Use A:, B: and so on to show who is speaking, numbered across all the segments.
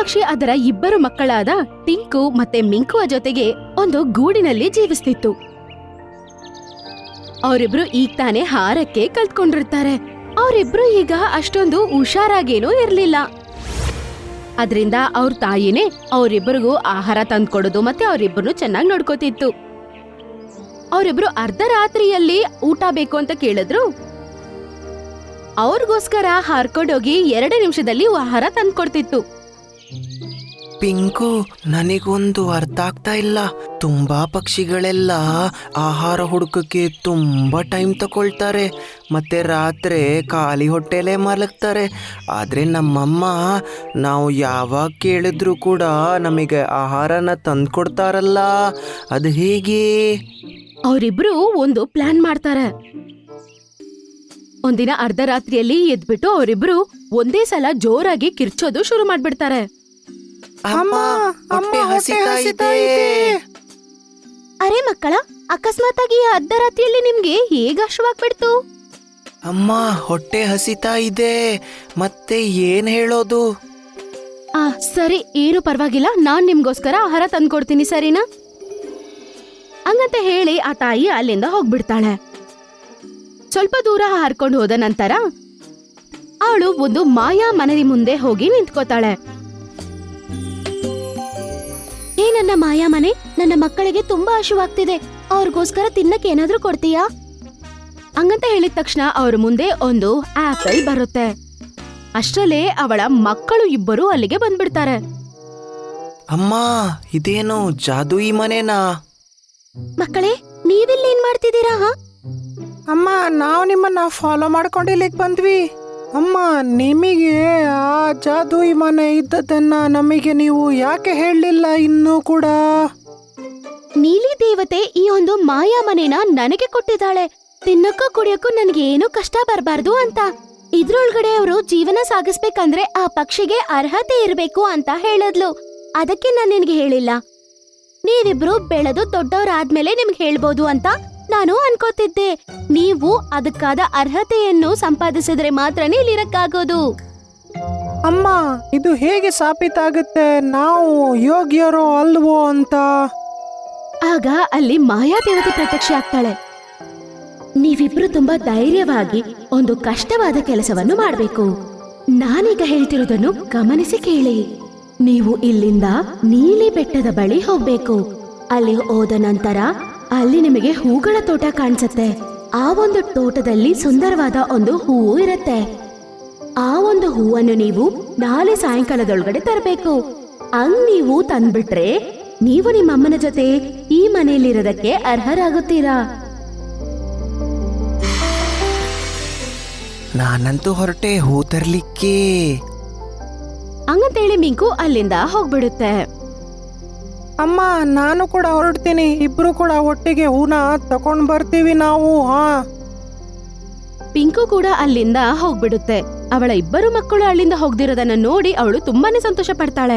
A: ಪಕ್ಷಿ ಅದರ ಇಬ್ಬರು ಮಕ್ಕಳಾದ ಟಿಂಕು ಮತ್ತೆ ಮಿಂಕುವ ಜೊತೆಗೆ ಒಂದು ಗೂಡಿನಲ್ಲಿ ಜೀವಿಸ್ತಿತ್ತು. ಅವರಿಬ್ರು ಈಗ ತಾನೇ ಹಾರಕ್ಕೆ ಕಲ್ತ್ಕೊಂಡಿರ್ತಾರೆ. ಅವರಿಬ್ರು ಈಗ ಅಷ್ಟೊಂದು ಹುಷಾರಾಗೇನೂ ಇರ್ಲಿಲ್ಲ. ಅದ್ರಿಂದ ಅವ್ರ ತಾಯಿನೇ ಅವರಿಬ್ಬರಿಗೂ ಆಹಾರ ತಂದ್ಕೊಡೋದು ಮತ್ತೆ ಅವರಿಬ್ಬರನ್ನು ಚೆನ್ನಾಗಿ ನೋಡ್ಕೋತಿತ್ತು. ಅವರಿಬ್ರು ಅರ್ಧ ರಾತ್ರಿಯಲ್ಲಿ ಊಟ ಬೇಕು ಅಂತ ಕೇಳಿದ್ರು. ಅವ್ರಿಗೋಸ್ಕರ ಹಾರ್ಕೊಂಡೋಗಿ 2 ನಿಮಿಷದಲ್ಲಿ ಆಹಾರ ತಂದ್ಕೊಡ್ತಿತ್ತು.
B: ಪಿಂಕು, ನನಗೊಂದು ಅರ್ಥ ಆಗ್ತಾ ಇಲ್ಲ. ತುಂಬಾ ಪಕ್ಷಿಗಳೆಲ್ಲ ಆಹಾರ ಹುಡುಕಕ್ಕೆ ತುಂಬಾ ಟೈಮ್ ತಗೊಳ್ತಾರೆ ಮತ್ತೆ ರಾತ್ರಿ ಖಾಲಿ ಹೊಟ್ಟೆಲೇ ಮಲಗ್ತಾರೆ. ಆದ್ರೆ ನಮ್ಮಮ್ಮ ನಾವು ಯಾವಾಗ ಕೇಳಿದ್ರು ಕೂಡ ನಮಗೆ ಆಹಾರನ ತಂದ್ಕೊಡ್ತಾರಲ್ಲ, ಅದು ಹೇಗೆ?
A: ಅವರಿಬ್ರು ಒಂದು ಪ್ಲಾನ್ ಮಾಡ್ತಾರೆ. ಒಂದಿನ ಅರ್ಧ ರಾತ್ರಿಯಲ್ಲಿ ಎದ್ಬಿಟ್ಟು ಅವರಿಬ್ರು ಒಂದೇ ಸಲ ಜೋರಾಗಿ ಕಿರ್ಚೋದು ಶುರು ಮಾಡ್ಬಿಡ್ತಾರೆ.
B: ಅಮ್ಮ, ಹೊಟ್ಟೆ ಹಸಿತಾ ಇದೆ.
A: ಅರೆ ಮಕ್ಕಳ, ಅಕಸ್ಮಾತ್ ಆಗಿ ಅರ್ಧ ರಾತ್ರಿಯಲ್ಲಿ ನಿಮ್ಗೆ ಹೇಗೆ ಹಶ್ವಾಗ್ಬಿಡ್ತು?
B: ಅಮ್ಮ, ಹೊಟ್ಟೆ ಹಸಿತಾ ಇದೆ, ಮತ್ತೆ ಏನ್ ಹೇಳೋದು?
A: ಸರಿ, ಏನು ಪರವಾಗಿಲ್ಲ, ನಾನ್ ನಿಮ್ಗೋಸ್ಕರ ಆಹಾರ ತಂದ್ಕೊಡ್ತೀನಿ, ಸರಿನಾ? ಹಂಗಂತ ಹೇಳಿ ಆ ತಾಯಿ ಅಲ್ಲಿಂದ ಹೋಗ್ಬಿಡ್ತಾಳೆ. ಸ್ವಲ್ಪ ದೂರ ಹಾರ್ಕೊಂಡು ಹೋದ ನಂತರ ಅವಳು ಒಂದು ಮಾಯಾ ಮನೆ ಮುಂದೆ ಹೋಗಿ ನಿಂತ್ಕೋತಾಳೆ. ನನ್ನ ಮಾಯಾ ಮನೆ, ನನ್ನ ಮಕ್ಕಳಿಗೆ ತುಂಬಾ ಹಸಿವಾಗ್ತಿದೆ, ಅವ್ರಿಗೋಸ್ಕರ ತಿನ್ನಕ್ಕೆ ಏನಾದ್ರೂ ಕೊಡ್ತೀಯಾ? ಹಂಗಂತ ಹೇಳಿದ ತಕ್ಷಣ ಅವ್ರ ಮುಂದೆ ಒಂದು ಆಪಲ್ ಬರುತ್ತೆ. ಅಷ್ಟರಲ್ಲೇ ಅವಳ ಮಕ್ಕಳು ಇಬ್ಬರು ಅಲ್ಲಿಗೆ ಬಂದ್ಬಿಡ್ತಾರೆ.
B: ಅಮ್ಮ, ಇದೇನು ಜಾದೂಯಿ ಮನೆನಾ?
A: ಮಕ್ಕಳೇ, ನೀವಿಲ್ಲೇನ್ ಮಾಡ್ತಿದ್ದೀರಾ?
C: ಅಮ್ಮ, ನಾವು ನಿಮ್ಮನ್ನ ಫಾಲೋ ಮಾಡ್ಕೊಂಡು ಇಲ್ಲಿಗೆ ಬಂದ್ವಿ. ಅಮ್ಮ, ನಿಮಗೆ ಆ ಜಾದೂಯಿ ಮನೆ ಇದ್ದದನ್ನ ನಮಗೆ ನೀವು ಯಾಕೆ ಹೇಳಲಿಲ್ಲ ಇನ್ನೂ ಕೂಡ?
A: ನೀಲಿ ದೇವತೆ ಈ ಒಂದು ಮಾಯಾ ಮನೆನ ನನಗೆ ಕೊಟ್ಟಿದ್ದಾಳೆ. ತಿನ್ನಕ್ಕೂ ಕುಡಿಯಕ್ಕೂ ನನಗೆ ಏನೂ ಕಷ್ಟ ಬರಬಾರ್ದು ಅಂತ. ಇದ್ರೊಳಗಡೆ ಅವರು ಜೀವನ ಸಾಗಿಸ್ಬೇಕಂದ್ರೆ ಆ ಪಕ್ಷಿಗೆ ಅರ್ಹತೆ ಇರಬೇಕು ಅಂತ ಹೇಳಿದ್ಲು. ಅದಕ್ಕೆ ನಾನು ನಿನಗೆ ಹೇಳಿಲ್ಲ. ನೀವಿಬ್ರು ಬೆಳೆದು ದೊಡ್ಡವರಾದ್ಮೇಲೆ ನಿಮ್ಗೆ ಹೇಳ್ಬೋದು ಅಂತ ನಾನು ಅನ್ಕೋತಿದ್ದೆ. ನೀವು ಅದಕ್ಕಾದ ಅರ್ಹತೆಯನ್ನು ಸಂಪಾದಿಸಿದ್ರೆ ಮಾತ್ರನೇ ಇಲ್ಲಿರಕ್ಕಾಗೋದು.
C: ಅಮ್ಮ, ಇದು ಹೇಗೆ ಸಾಬೀತಾಗುತ್ತೆ ನಾವು ಯೋಗ್ಯರೋ ಅಲ್ವೋ ಅಂತ?
A: ಆಗ ಅಲ್ಲಿ ಮಾಯಾ ದೇವತೆ ಪ್ರತ್ಯಕ್ಷ ಆಗ್ತಾಳೆ. ನೀವಿಬ್ರು ತುಂಬಾ ಧೈರ್ಯವಾಗಿ ಒಂದು ಕಷ್ಟವಾದ ಕೆಲಸವನ್ನು ಮಾಡಬೇಕು. ನಾನೀಗ ಹೇಳ್ತಿರೋದನ್ನು ಗಮನಿಸಿ ಕೇಳಿ. ನೀವು ಇಲ್ಲಿಂದ ನೀಲಿ ಬೆಟ್ಟದ ಬಳಿ ಹೋಗ್ಬೇಕು. ಅಲ್ಲಿ ಹೋದ ನಂತರ ಅಲ್ಲಿ ನಿಮಗೆ ಹೂಗಳ ತೋಟ ಕಾಣಿಸುತ್ತೆ. ಆ ಒಂದು ತೋಟದಲ್ಲಿ ಸುಂದರವಾದ ಒಂದು ಹೂವು ಇರುತ್ತೆ. ಆ ಒಂದು ಹೂವನ್ನು ನೀವು ನಾಳೆ ಸಾಯಂಕಾಲದೊಳಗಡೆ ತರಬೇಕು. ಹಂಗ್ ನೀವು ತಂದ್ಬಿಟ್ರೆ ನೀವು ನಿಮ್ಮ ಅಮ್ಮನ ಜೊತೆ ಈ ಮನೆಯಲ್ಲಿರೋದಕ್ಕೆ ಅರ್ಹರಾಗುತ್ತೀರಾ.
B: ನಾನಂತೂ ಹೊರಟೆ ಹೂ ತರ್ಲಿಕ್ಕೆ.
A: ಹಂಗಂತೇಳಿ ಮಿಂಕು ಅಲ್ಲಿಂದ ಹೋಗ್ಬಿಡುತ್ತೆ.
C: ಅಮ್ಮ, ನಾನು ಕೂಡ ಹೊರಡ್ತೀನಿ. ಇಬ್ರು ಕೂಡ ಒಟ್ಟಿಗೆ ಹೂನ ತಕೊಂಡ್ ಬರ್ತೀವಿ ನಾವು.
A: ಪಿಂಕು ಕೂಡ ಅಲ್ಲಿಂದ ಹೋಗ್ಬಿಡುತ್ತೆ. ಅವಳ ಇಬ್ಬರು ಮಕ್ಕಳು ಅಲ್ಲಿಂದ ಹೋಗ್ದಿರೋದನ್ನ ನೋಡಿ ಅವಳು ತುಂಬಾನೇ ಸಂತೋಷ ಪಡ್ತಾಳೆ.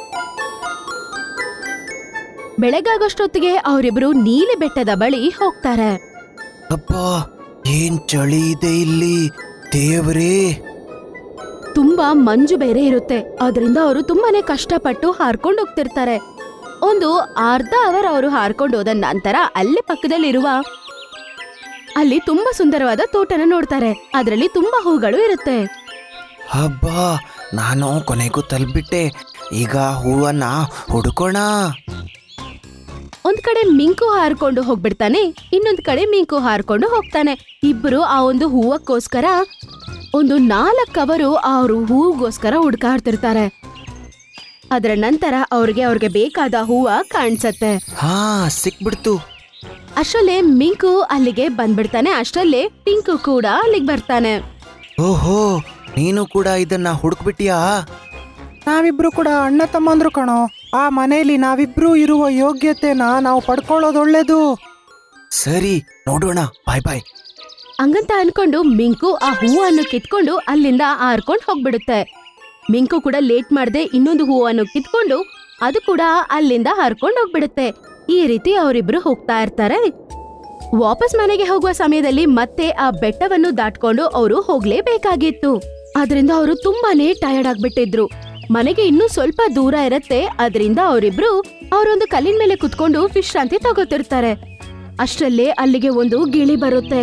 A: ಬೆಳಗಾಗೋಷ್ಟೊತ್ತಿಗೆ ಅವರಿಬ್ರು ನೀಲಿ ಬೆಟ್ಟದ ಬಳಿ ಹೋಗ್ತಾರೆ.
B: ಅಪ್ಪ, ಏನ್ ಚಳಿ ಇದೆ ಇಲ್ಲಿ, ದೇವ್ರೇ!
A: ತುಂಬಾ ಮಂಜು ಬೇರೆ ಇರುತ್ತೆ. ಅದರಿಂದ ಅವರು ತುಂಬಾನೇ ಕಷ್ಟಪಟ್ಟು ಹಾರ್ಕೊಂಡು ಹೋಗ್ತಿರ್ತಾರೆ. ಒಂದು ಅರ್ಧ ಅವರ್ ಅವರು ಹಾರ್ಕೊಂಡು ಹೋದ ನಂತರ ಅಲ್ಲಿ ಪಕ್ಕದಲ್ಲಿರುವ ಅಲ್ಲಿ ತುಂಬಾ ಸುಂದರವಾದ ತೋಟನ ನೋಡ್ತಾರೆ. ಅದರಲ್ಲಿ ತುಂಬಾ ಹೂಗಳು ಇರುತ್ತೆ.
B: ಹಬ್ಬ, ನಾನು ಕೊನೆಗೂ ತಲುಪಿಬಿಟ್ಟೆ. ಈಗ ಹೂವನ್ನ ಹುಡುಕೋಣ.
A: ಒಂದ್ ಕಡೆ ಮಿಂಕು ಹಾರ್ಕೊಂಡು ಹೋಗ್ಬಿಡ್ತಾನೆ, ಇನ್ನೊಂದ್ ಕಡೆ ಮಿಂಕು ಹಾರ್ಕೊಂಡು ಹೋಗ್ತಾನೆ. ಇಬ್ರು ಆ ಒಂದು ಹೂವಕ್ಕೋಸ್ಕರ ಒಂದು 4 ಅವರು ಅವ್ರು ಹೂಗೋಸ್ಕರ ಹುಡ್ಕಾಡ್ತಿರ್ತಾರೆ. ಅದರ ನಂತರ ಅವ್ರಿಗೆ ಬೇಕಾದ ಹೂವ ಕಾಣಿಸತ್ತೆ.
B: ಹಾ, ಸಿಕ್ಬಿಡ್ತು.
A: ಅಷ್ಟರಲ್ಲೇ ಮಿಂಕು ಅಲ್ಲಿಗೆ ಬಂದ್ಬಿಡ್ತಾನೆ. ಅಷ್ಟರಲ್ಲೇ ಪಿಂಕು ಕೂಡ ಅಲ್ಲಿಗೆ ಬರ್ತಾನೆ.
B: ಓಹೋ, ನೀನು ಕೂಡ ಇದನ್ನ ಹುಡುಕ್ಬಿಟ್ಟಿಯಾ?
C: ನಾವಿಬ್ರು ಕೂಡ ಅಣ್ಣ ತಮ್ಮಂದ್ರು ಕಣೋ. ಆ ಮನೆಯಲ್ಲಿ ನಾವಿಬ್ರು ಇರುವ ಯೋಗ್ಯತೆನ ನಾವು ಪಡ್ಕೊಳ್ಳೋದು ಒಳ್ಳೇದು.
B: ಸರಿ, ನೋಡೋಣ. ಬಾಯ್ ಬಾಯ್.
A: ಹಂಗಂತ ಅನ್ಕೊಂಡು ಮಿಂಕು ಆ ಹೂವನ್ನು ಕಿತ್ಕೊಂಡು ಅಲ್ಲಿಂದ ಹಾರ್ಕೊಂಡು ಹೋಗ್ಬಿಡುತ್ತೆ. ಮಿಂಕು ಕೂಡ ಲೇಟ್ ಮಾಡದೆ ಇನ್ನೊಂದು ಹೂವನ್ನು ಕಿತ್ಕೊಂಡು ಅದು ಕೂಡ ಅಲ್ಲಿಂದ ಹಾರ್ಕೊಂಡು ಹೋಗ್ಬಿಡುತ್ತೆ. ಈ ರೀತಿ ಅವರಿಬ್ರು ಹೋಗ್ತಾ ಇರ್ತಾರೆ. ವಾಪಸ್ ಮನೆಗೆ ಹೋಗುವ ಸಮಯದಲ್ಲಿ ಮತ್ತೆ ಆ ಬೆಟ್ಟವನ್ನು ದಾಟ್ಕೊಂಡು ಅವರು ಹೋಗ್ಲೇಬೇಕಾಗಿತ್ತು. ಆದ್ರಿಂದ ಅವರು ತುಂಬಾನೇ ಟಯರ್ಡ್ ಆಗ್ಬಿಟ್ಟಿದ್ರು. ಮನೆಗೆ ಇನ್ನೂ ಸ್ವಲ್ಪ ದೂರ ಇರತ್ತೆ. ಅದರಿಂದ ಅವರಿಬ್ರು ಅವರೊಂದು ಕಲ್ಲಿನ ಮೇಲೆ ಕುತ್ಕೊಂಡು ವಿಶ್ರಾಂತಿ ತಗೋತಿರ್ತಾರೆ. ಅಷ್ಟರಲ್ಲೇ ಅಲ್ಲಿಗೆ ಒಂದು ಗಿಳಿ ಬರುತ್ತೆ.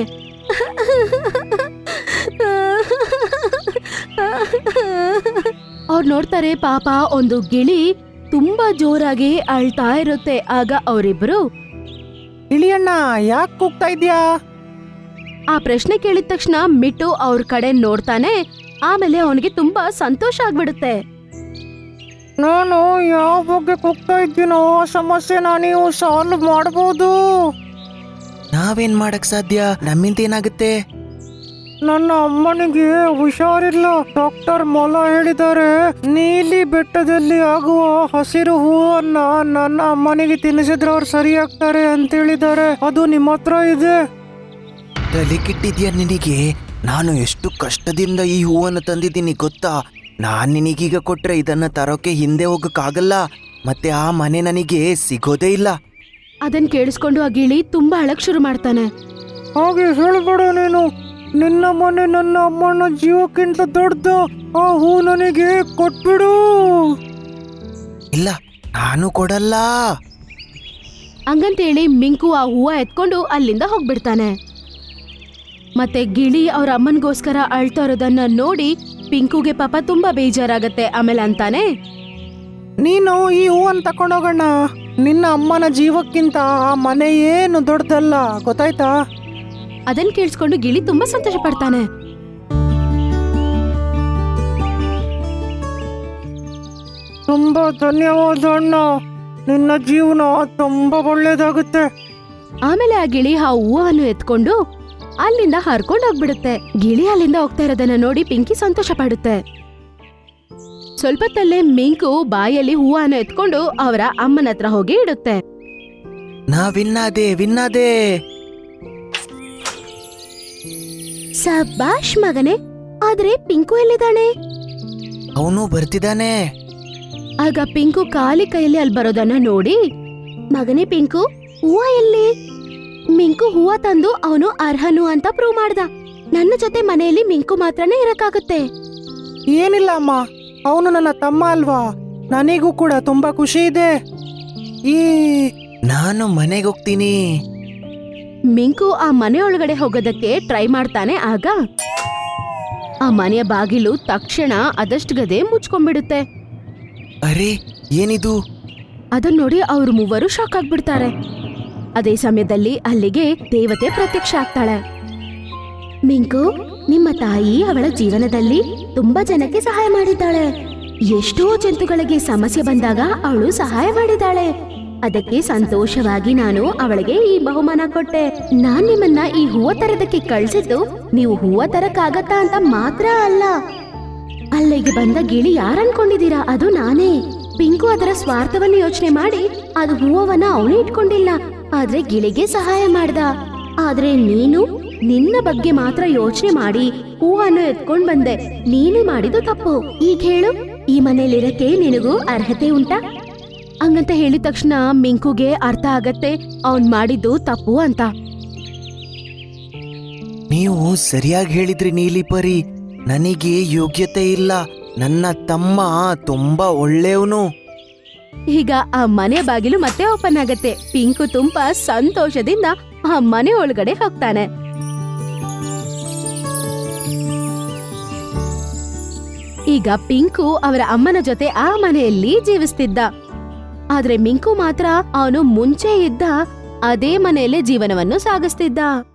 A: ಅವ್ರು ನೋಡ್ತಾರೆ, ಪಾಪ ಒಂದು ಗಿಳಿ ತುಂಬಾ ಜೋರಾಗಿ ಅಳ್ತಾ ಇರುತ್ತೆ. ಆಗ ಅವರಿಬ್ರು
C: ಇಳಿಯಣ್ಣ, ಯಾಕೆ ಕೂಗ್ತಾ ಇದ್ಯಾ?
A: ಆ ಪ್ರಶ್ನೆ ಕೇಳಿದ ತಕ್ಷಣ ಮಿಟ್ಟು ಅವ್ರ ಕಡೆ ನೋಡ್ತಾನೆ. ಆಮೇಲೆ ಅವನಿಗೆ ತುಂಬಾ ಸಂತೋಷ ಆಗ್ಬಿಡುತ್ತೆ.
C: ನಾನು ಯಾವ ಬಗ್ಗೆ ಕೂಗ್ತಾ ಇದ್ದೀನೋ ಆ ಸಮಸ್ಯೆನ ನೀವು ಸಾಲ್ವ್ ಮಾಡಬಹುದು.
B: ನಾವೇನ್ ಮಾಡಕ್ ಸಾಧ್ಯ? ನಮ್ಮಿಂದ ಏನಾಗುತ್ತೆ?
C: ನನ್ನ ಅಮ್ಮನಿಗೆ ಹುಷಾರಿಲ್ಲ. ಡಾಕ್ಟರ್ ಮೊಲ ಹೇಳಿದ್ದಾರೆ, ನೀಲಿ ಬೆಟ್ಟದಲ್ಲಿ ಆಗುವ ಹಸಿರು ಹೂವನ್ನ ನನ್ನ ಅಮ್ಮನಿಗೆ ತಿನ್ನಿಸಿದ್ರೆ ಅವ್ರು ಸರಿಯಾಗ್ತಾರೆ ಅಂತ ಹೇಳಿದ್ದಾರೆ. ಅದು ನಿಮ್ಮ ಹತ್ರ ಇದೆ.
B: ತಲೆ ಕೆಟ್ಟಿದ್ಯಾ ನಿನಗೆ? ನಾನು ಎಷ್ಟು ಕಷ್ಟದಿಂದ ಈ ಹೂವನ್ನು ತಂದಿದ್ದೀನಿ ಗೊತ್ತಾ? ನಾನ್ ನಿನಗೀಗ ಕೊಟ್ರೆ ಇದನ್ನ ತರೋಕೆ ಹಿಂದೆ ಹೋಗಕ್ಕಾಗಲ್ಲ. ಮತ್ತೆ ಆ ಮನೆ ನನಗೆ ಸಿಗೋದೇ ಇಲ್ಲ.
A: ಅದನ್ ಕೇಳಿಸ್ಕೊಂಡು ಆ ಗಿಳಿ ತುಂಬಾ ಅಳಕ್ ಶುರು ಮಾಡ್ತಾನೆ.
C: ಹಾಗೆ ಹೇಳ್ಬೇಡ ನೀನು. ನಿನ್ನ ಮನೆ ನನ್ನ ಅಮ್ಮನ ಜೀವಕ್ಕಿಂತ ದೊಡ್ಡದು. ಆ ಹೂ ನನಗೆ ಕೊಟ್ಬಿಡು.
B: ಇಲ್ಲ, ನಾನು ಕೊಡಲ್ಲ.
A: ಹಂಗಂತೇಳಿ ಮಿಂಕು ಆ ಹೂವ ಎತ್ಕೊಂಡು ಅಲ್ಲಿಂದ ಹೋಗ್ಬಿಡ್ತಾನೆ. ಮತ್ತೆ ಗಿಳಿ ಅವ್ರ ಅಮ್ಮನ್ಗೋಸ್ಕರ ಅಳ್ತಾ ಇರೋದನ್ನ ನೋಡಿ ಪಿಂಕುಗೆ ಪಾಪ ತುಂಬಾ ಬೇಜಾರಾಗತ್ತೆ. ಆಮೇಲೆ ಅಂತಾನೆ,
C: ನೀನು ಈ ಹೂವನ್ನು ತಕೊಂಡೋಗೋಣ. ನಿನ್ನ ಅಮ್ಮನ ಜೀವಕ್ಕಿಂತ ಆ ಮನೆ ಏನು ದೊಡ್ಡದಲ್ಲ, ಗೊತ್ತಾಯ್ತಾ?
A: ಅದನ್ ಕೇಳಿಸ್ಕೊಂಡು ಗಿಳಿ ತುಂಬಾ ಸಂತೋಷ ಪಡ್ತಾನೆ.
C: ತುಂಬಾ ಧನ್ಯವಾದ ಅಣ್ಣ. ನಿನ್ನ ಜೀವನ ತುಂಬಾ ಒಳ್ಳೇದಾಗುತ್ತೆ.
A: ಆಮೇಲೆ ಆ ಗಿಳಿ ಆ ಹೂವನ್ನು ಎತ್ಕೊಂಡು ಅಲ್ಲಿಂದ ಹರ್ಕೊಂಡು ಹೋಗ್ಬಿಡುತ್ತೆ. ಗಿಳಿ ಅಲ್ಲಿಂದ ಹೋಗ್ತಾ ಇರೋದನ್ನ ನೋಡಿ ಪಿಂಕಿ ಸಂತೋಷ ಪಡುತ್ತೆ. ಸ್ವಲ್ಪತ್ತಲ್ಲೇ ಮಿಂಕು ಬಾಯಲ್ಲಿ ಹೂವನ್ನು ಎತ್ಕೊಂಡು ಅವರ ಅಮ್ಮನ ಹತ್ರ ಹೋಗಿ ಇಡುತ್ತೆ.
B: ನಾ ವಿನ್ನಾದೆ.
A: ಸಬಾಷ್ ಮಗನೇ. ಆದ್ರೆ ಪಿಂಕು ಎಲ್ಲಿದ್ದಾನೆ?
B: ಅವನು ಬರ್ತಿದ್ದಾನೆ.
A: ಆಗ ಪಿಂಕು ಖಾಲಿ ಕೈಯಲ್ಲಿ ಅಲ್ಲಿ ಬರೋದನ್ನ ನೋಡಿ, ಮಗನೇ ಪಿಂಕು, ಹೂವ ಎಲ್ಲಿ? ಮಿಂಕು ಹೂವ ತಂದು ಅವನು ಅರ್ಹನು ಅಂತ ಪ್ರೂವ್ ಮಾಡ್ದ. ನನ್ನ ಜೊತೆ ಮನೆಯಲ್ಲಿ ಮಿಂಕು ಮಾತ್ರನೇ ಇರಕ್ಕಾಗುತ್ತೆ.
C: ಏನಿಲ್ಲ ಅಮ್ಮ, ಅವನು ನನ್ನ ತಮ್ಮ ಅಲ್ವಾ. ನನಗೂ ಕೂಡ ತುಂಬಾ ಖುಷಿ ಇದೆ.
B: ನಾನು ಮನೆಗೆ ಹೋಗ್ತೀನಿ.
A: ಮಿಂಕು ಆ ಮನೆಯೊಳಗಡೆ ಹೋಗೋದಕ್ಕೆ ಟ್ರೈ ಮಾಡ್ತಾನೆ. ಆಗ ಆ ಮನೆಯ ಬಾಗಿಲು ತಕ್ಷಣ ಅದಷ್ಟು ಗದೆ ಮುಚ್ಕೊಂಡ್ಬಿಡುತ್ತೆ.
B: ಅರೆ, ಏನಿದು?
A: ಅದನ್ನ ನೋಡಿ ಅವ್ರು ಮೂವರು ಶಾಕ್ ಆಗ್ಬಿಡ್ತಾರೆ. ಅದೇ ಸಮಯದಲ್ಲಿ ಅಲ್ಲಿಗೆ ದೇವತೆ ಪ್ರತ್ಯಕ್ಷ ಆಗ್ತಾಳೆ. ಮಿಂಕು, ನಿಮ್ಮ ತಾಯಿ ಅವಳ ಜೀವನದಲ್ಲಿ ತುಂಬಾ ಜನಕ್ಕೆ ಸಹಾಯ ಮಾಡಿದ್ದಾಳೆ. ಎಷ್ಟೋ ಜಂತುಗಳಿಗೆ ಸಮಸ್ಯೆ ಬಂದಾಗ ಅವಳು ಸಹಾಯ ಮಾಡಿದ್ದಾಳೆ. ಅದಕ್ಕೆ ಸಂತೋಷವಾಗಿ ನಾನು ಅವಳಿಗೆ ಈ ಬಹುಮಾನ ಕೊಟ್ಟೆ. ನಾನ್ ನಿಮ್ಮನ್ನ ಈ ಹೂವ ತರದಕ್ಕೆ ಕಳ್ಸಿದ್ದು ನೀವು ಹೂವ ತರಕ್ಕಾಗತ್ತಾ ಅಂತ ಮಾತ್ರ ಅಲ್ಲ. ಅಲ್ಲಿಗೆ ಬಂದ ಗಿಳಿ ಯಾರನ್ಕೊಂಡಿದ್ದೀರಾ? ಅದು ನಾನೇ. ಪಿಂಕು ಅದರ ಸ್ವಾರ್ಥವನ್ನು ಯೋಚನೆ ಮಾಡಿ ಅದು ಹೂವನ್ನ ಅವನೇ ಇಟ್ಕೊಂಡಿಲ್ಲ, ಆದ್ರೆ ಗಿಳಿಗೆ ಸಹಾಯ ಮಾಡ್ದ. ಆದ್ರೆ ನೀನು ನಿನ್ನ ಬಗ್ಗೆ ಮಾತ್ರ ಯೋಚನೆ ಮಾಡಿ ಹೂವನ್ನು ಎತ್ಕೊಂಡ್ ಬಂದೆ. ನೀನು ಮಾಡಿದ್ದು ತಪ್ಪು. ಈಗ ಹೇಳು, ಈ ಮನೇಲಿರಕ್ಕೆ ನಿನಗೂ ಅರ್ಹತೆ ಉಂಟಾ? ಹಂಗಂತ ಹೇಳಿದ ತಕ್ಷಣ ಮಿಂಕುಗೆ ಅರ್ಥ ಆಗತ್ತೆ ಅವನ್ ಮಾಡಿದ್ದು ತಪ್ಪು ಅಂತ.
B: ನೀವು ಸರಿಯಾಗಿ ಹೇಳಿದ್ರಿ ನೀಲಿಪರಿ. ನನಗೆ ಯೋಗ್ಯತೆ ಇಲ್ಲ. ನನ್ನ ತಮ್ಮ ತುಂಬಾ ಒಳ್ಳೆಯವನು.
A: ಈಗ ಆ ಮನೆ ಬಾಗಿಲು ಮತ್ತೆ ಓಪನ್ ಆಗತ್ತೆ. ಪಿಂಕು ತುಂಬಾ ಸಂತೋಷದಿಂದ ಆ ಮನೆ ಒಳಗಡೆ ಹೋಗ್ತಾನೆ. ಈಗ ಪಿಂಕು ಅವರ ಅಮ್ಮನ ಜೊತೆ ಆ ಮನೆಯಲ್ಲಿ ಜೀವಿಸ್ತಿದ್ದ. ಆದ್ರೆ ಮಿಂಕು ಮಾತ್ರ ಅವನು ಮುಂಚೆ ಇದ್ದ ಅದೇ ಮನೆಯಲ್ಲೇ ಜೀವನವನ್ನು ಸಾಗಿಸ್ತಿದ್ದ.